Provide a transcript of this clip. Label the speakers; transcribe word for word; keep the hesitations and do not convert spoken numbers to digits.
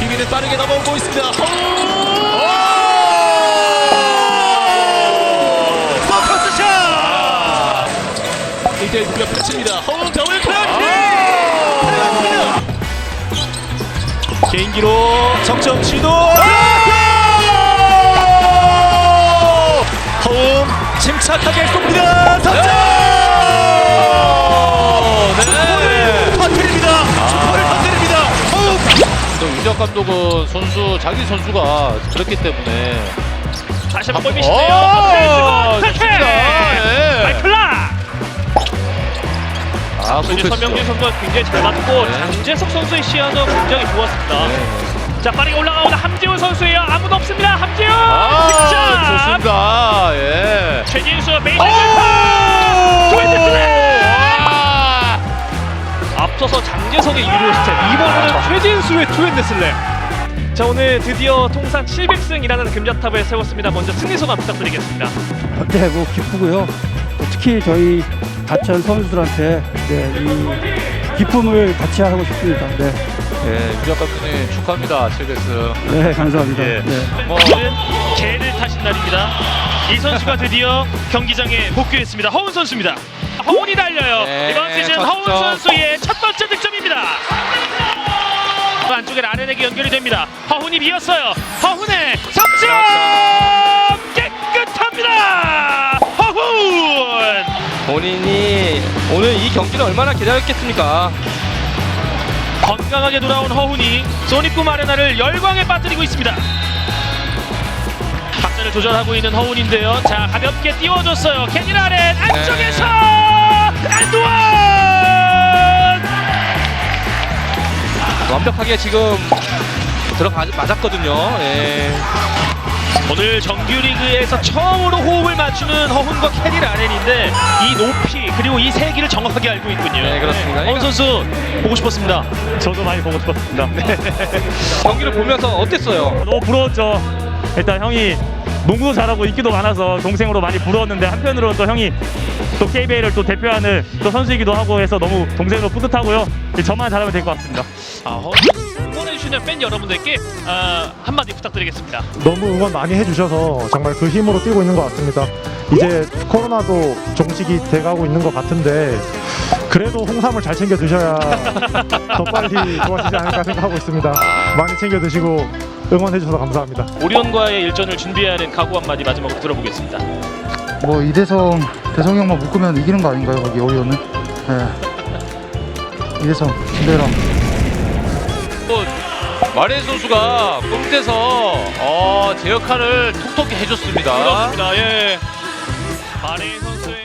Speaker 1: 기회는 빠르게 넘어오고 있습니다.
Speaker 2: 서커스샷!
Speaker 1: 일 대 일 공격 펼칩니다. 허웅 더블 클러치!
Speaker 2: 개인기로 석점 시도! 허웅 침착하게 쏩니다. 석점!
Speaker 1: 네.
Speaker 2: 터뜨립니다. 슈퍼를 터뜨립니다. 허웅!
Speaker 3: 또 유재학 감독은 선수 자기 선수가 그렇기 때문에
Speaker 2: 다시 한번
Speaker 3: 오!
Speaker 2: 골밑인데요.
Speaker 3: 좋습니다. 예.
Speaker 2: 마이클라!
Speaker 3: 아,
Speaker 2: 이제
Speaker 3: 그렇죠.
Speaker 2: 서명진 선수가 굉장히 잘 맞고
Speaker 3: 네.
Speaker 2: 장재석 선수의 시야도 굉장히 좋았습니다.
Speaker 3: 네.
Speaker 2: 자, 빠르게 올라가오는 함재훈 선수예요. 아무도 없습니다. 함재훈!
Speaker 3: 아,
Speaker 2: 득점!
Speaker 3: 좋습니다. 예.
Speaker 2: 최진수 메이저 점퍼! 조인트 슬램!
Speaker 3: 아!
Speaker 2: 앞서서 장재석의 유료 스텝, 이번에는 최진수의 투핸드 슬램. 자, 오늘 드디어 통산 칠백 승이라는 금자탑을 세웠습니다. 먼저 승리 소감 부탁드리겠습니다.
Speaker 4: 네, 뭐 기쁘고요. 특히 저희 다천 선수들한테 네, 이 기쁨을 같이 하고 싶습니다. 네,
Speaker 3: 예, 유재학 감독님 축하합니다. 칠백 승.
Speaker 4: 네 감사합니다.
Speaker 3: 예.
Speaker 4: 네.
Speaker 2: 뭐, 오늘은 개를 타신 날입니다. 이 선수가 드디어 경기장에 복귀했습니다. 허훈 선수입니다. 허훈이 달려요.
Speaker 3: 네,
Speaker 2: 이번 시즌
Speaker 3: 첫
Speaker 2: 허훈
Speaker 3: 점.
Speaker 2: 선수의 첫 번째 득점입니다. 안쪽에 라렌에게 연결이 됩니다. 허훈이 비었어요. 허훈의 석점! 깨끗합니다. 허훈!
Speaker 3: 본인이 오늘 이 경기를 얼마나 기다렸겠습니까?
Speaker 2: 건강하게 돌아온 허훈이 소닉붐 아레나를 열광에 빠뜨리고 있습니다. 박자를 조절하고 있는 허훈인데요. 자, 가볍게 띄워줬어요. 케니 라렌 안쪽에서 안두원!
Speaker 3: 완벽하게 지금 들어가 맞았거든요. 예.
Speaker 2: 오늘 정규리그에서 처음으로 호흡을 맞추는 허훈과 케니 라렌인데 이 높이 그리고 이 세기를 정확하게 알고 있군요.
Speaker 3: 네, 그렇습니다.
Speaker 2: 허훈 선수 보고 싶었습니다. 저도 많이 보고 싶었습니다.
Speaker 3: 경기를 보면서 어땠어요?
Speaker 5: 너무 부러웠죠. 일단 형이 농구도 잘하고 인기도 많아서 동생으로 많이 부러웠는데 한편으로는 또 형이 또 케이비엘을 또 대표하는 또 선수이기도 하고 해서 너무 동생으로 뿌듯하고요. 저만 잘하면 될 것 같습니다.
Speaker 2: 아, 허훈 응원해주시는 팬 여러분들께 아, 한마디 부탁드리겠습니다.
Speaker 6: 너무 응원 많이 해주셔서 정말 그 힘으로 뛰고 있는 것 같습니다. 이제 코로나도 종식이 돼가고 있는 것 같은데 그래도 홍삼을 잘 챙겨 드셔야 더 빨리 좋아지지 않을까 생각하고 있습니다. 많이 챙겨 드시고 응원해 주셔서 감사합니다.
Speaker 2: 오리온과의 일전을 준비하는 각오 한마디 마지막으로 들어보겠습니다.
Speaker 7: 뭐 이대성, 대성이 형만 묶으면 이기는 거 아닌가요? 거기 오리온은? 네. 이대성, 김대람.
Speaker 3: 또 마레 선수가 꼼대서 어, 제 역할을 톡톡히 해줬습니다.
Speaker 2: 그렇습니다. 예. 마레 선수의